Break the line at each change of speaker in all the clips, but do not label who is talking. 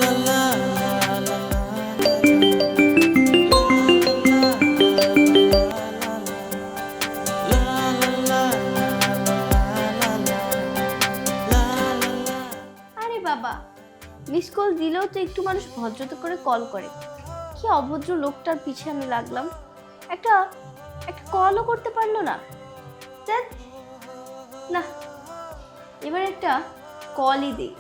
আরে বাবা, miss call দিলেও তো একটু মানুষ ভদ্রতা করে কল করে। কি অভদ্র লোকটার পিছে আমি লাগলাম, একটা একটা কলও করতে পারলো না। ধ্যাৎ, না, এবার একটা কলই দিই।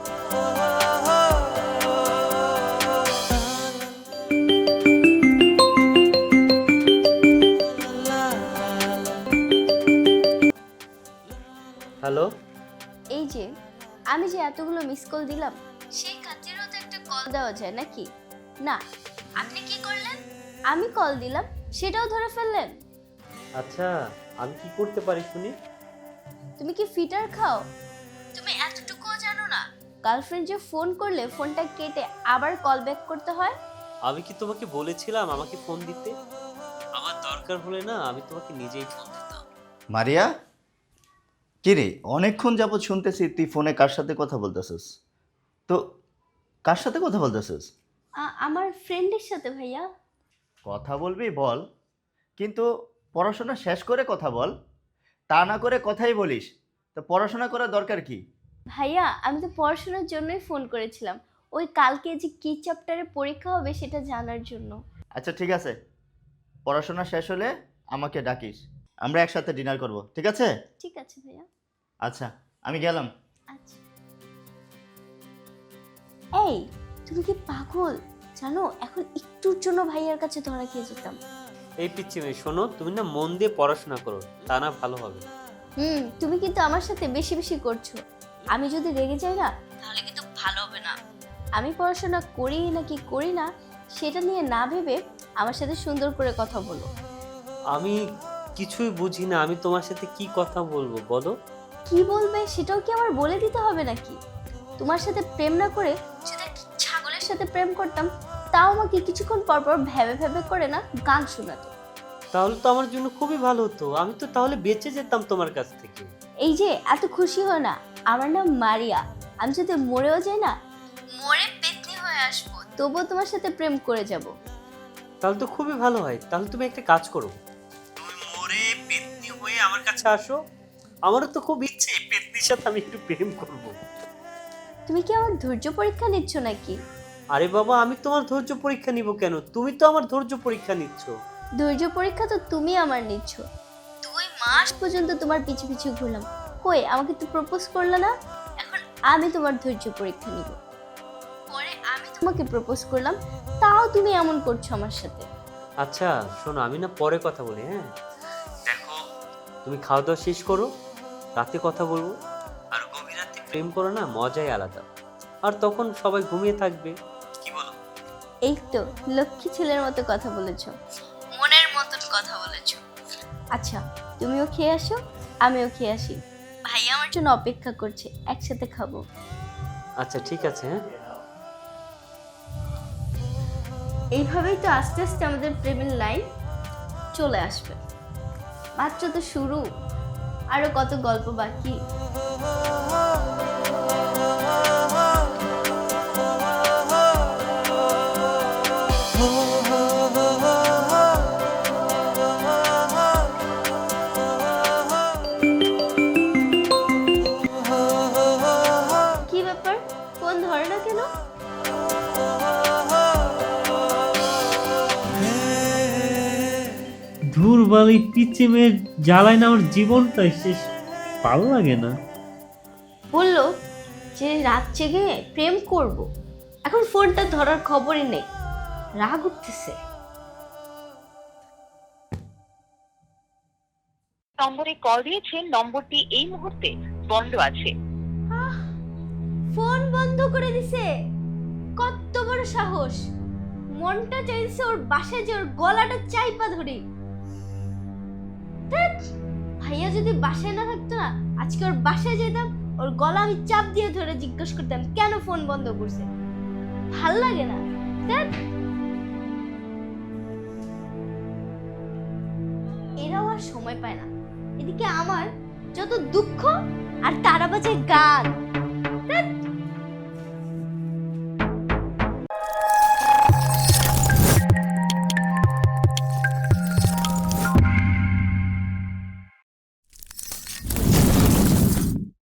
হ্যালো।
এই যে আমি যে এতগুলো মিস কল দিলাম, সেই খাতিরেও তো একটা কল দেওয়া যায় নাকি? না, আপনি কি করলেন? আমি কল দিলাম, সেটাও ধরে ফেললেন।
আচ্ছা, আমি কি করতে পারি শুনি?
তুমি কি ফিটার খাও? তুমি এতটুকুও জানো না গার্লফ্রেন্ড যে ফোন করলে ফোনটা কেটে আবার কল ব্যাক করতে হয়?
আমি কি তোমাকে বলেছিলাম আমাকে ফোন দিতে? আমার দরকার হলে না আমি তোমাকে নিজেই ফোন দিতাম।
মারিয়া, কিরে অনেকক্ষণ যাবৎ শুনতেছি তুই ফোনে কার সাথে কথা বলতেছিস। তো কার সাথে কথা বলতেছিস?
আমার ফ্রেন্ডের সাথে ভাইয়া।
কথা বলবি বল, কিন্তু পড়াশোনা শেষ করে কথা বল। তা না করে কথাই বলিস, তো পড়াশোনা করার দরকার কি?
ভাইয়া, আমি তো পড়াশোনার জন্যই ফোন করেছিলাম, ওই কালকে যে কি চ্যাপ্টারে পরীক্ষা হবে সেটা জানার জন্য।
আচ্ছা ঠিক আছে, পড়াশোনা শেষ হলে আমাকে ডাকিস, আমরা একসাথে ডিনার করব, ঠিক আছে?
ঠিক আছে ভাইয়া।
আচ্ছা, আমি গেলাম।
আচ্ছা। এই, তুমি কি পাগল? জানো, এখন একটুর জন্য ভাইয়ার কাছে ধরা খেয়ে যেতাম।
এই পিচ্চি মেয়ে শোনো, তুমি না মন দিয়ে পড়াশোনা করো, তা না ভালো হবে।
তুমি কিন্তু আমার সাথে বেশি বেশি করছো। আমি যদি রেগে যাই না, তাহলে কিন্তু ভালো হবে না। আমি পড়াশোনা করি নাকি করি না সেটা নিয়ে না ভেবে আমার সাথে সুন্দর করে কথা বলো।
আমি কিছুই বুঝি না, আমি তোমার সাথে কি কথা বলবো বলো?
কি বলবে সেটাও কি আমার বলে দিতে হবে নাকি? তোমার সাথে প্রেম না করে যদি একটা ছাগলের সাথে প্রেম করতাম, তাও আমাকে কিছুক্ষণ পর পর ভেবে ভেবে করে না গান শোনাতো।
তাহলে তো আমার জন্য খুবই ভালো হতো, আমি তো তাহলে বেঁচে যেতাম তোমার কাছ থেকে।
এই যে এত খুশি হয় না, আমার নাম মারিয়া। আমি যদি মরেও যাই না, মরে পেতনি হয়ে আসবো, তবুও তোমার সাথে প্রেম করে যাব।
তাহলে তো খুবই ভালো হয়। তাহলে তুমি একটা কাজ করো, তুমি মরে পেতনি হয়ে আমার কাছে আসো। আমারও তো খুব ইচ্ছে পেতনির সাথে আমি একটু প্রেম করব।
তুমি কি আমার ধৈর্য পরীক্ষা নিচ্ছ নাকি?
আরে বাবা, আমি তোমার ধৈর্য পরীক্ষা নিব কেন? তুমি তো আমার ধৈর্য পরীক্ষা নিচ্ছ।
ধৈর্য পরীক্ষা তো তুমি আমার নিচ্ছ। 2 মাস পর্যন্ত তোমার পিছু পিছু ঘুরলাম, কই আমাকে তো প্রপোজ করলে না। এখন আমি তোমার ধৈর্য পরীক্ষা নিব। পরে আমি তোমাকে প্রপোজ করলাম, তাও তুমি এমন করছো আমার সাথে।
আচ্ছা শোনো, আমি না পরে কথা বলি, হ্যাঁ? দেখো, তুমি খাওয়া দাওয়া শেষ করো, রাতে কথা বলবো। আর গভীর রাতে প্রেম করো না, মজাই আলাদা। আর তখন সবাই ঘুমিয়ে থাকবে, কি বলো?
এই তো লক্ষ্মী ছেলের মতো কথা বলেছো, মনের মতন কথা বলেছো। আচ্ছা, তুমিও খেয়ে আসো, আমিও খেয়ে আসি। ভাইয়া আমার জন্য অপেক্ষা করছে, একসাথে খাবো।
আচ্ছা ঠিক আছে, হ্যাঁ।
এইভাবেই তো আস্তে আস্তে আমাদের প্রেমের লাইন চলে আসবে। মাত্র তো শুরু, আরো কত গল্প বাকি। কি ব্যাপার, ফোন ধরে না কেন?
ধুর বালি পিচে মেয়ে জ্বালায় না আমার জীবনটাই শেষ, ভালো লাগে না।
বললো যে রাত জেগে প্রেম করব, এখন ফোনটা ধরার খবরই নেই, রাগ উঠতেছে।
নম্বরে কল দিয়েছেন, নম্বরটি এই মুহূর্তে বন্ধ আছে।
ফোন বন্ধ করে দিছে, কত বড় সাহস! মনটা চাইছে ওর বাসায় যে ওর গলাটা চাইপা ধরি। ধ্যাৎ, ভাইয়া যদি বাসায় না থাকতো না, আজকে ওর বাসায় যেতাম, ওর গলা আমি চাপ দিয়ে ধরে জিজ্ঞেস করতাম কেন ফোন বন্ধ করছে। ভাল লাগে না। ধ্যাৎ, এরাও আর সময় পায় না। এদিকে আমার যত দুঃখ আর তারা বাজে গান।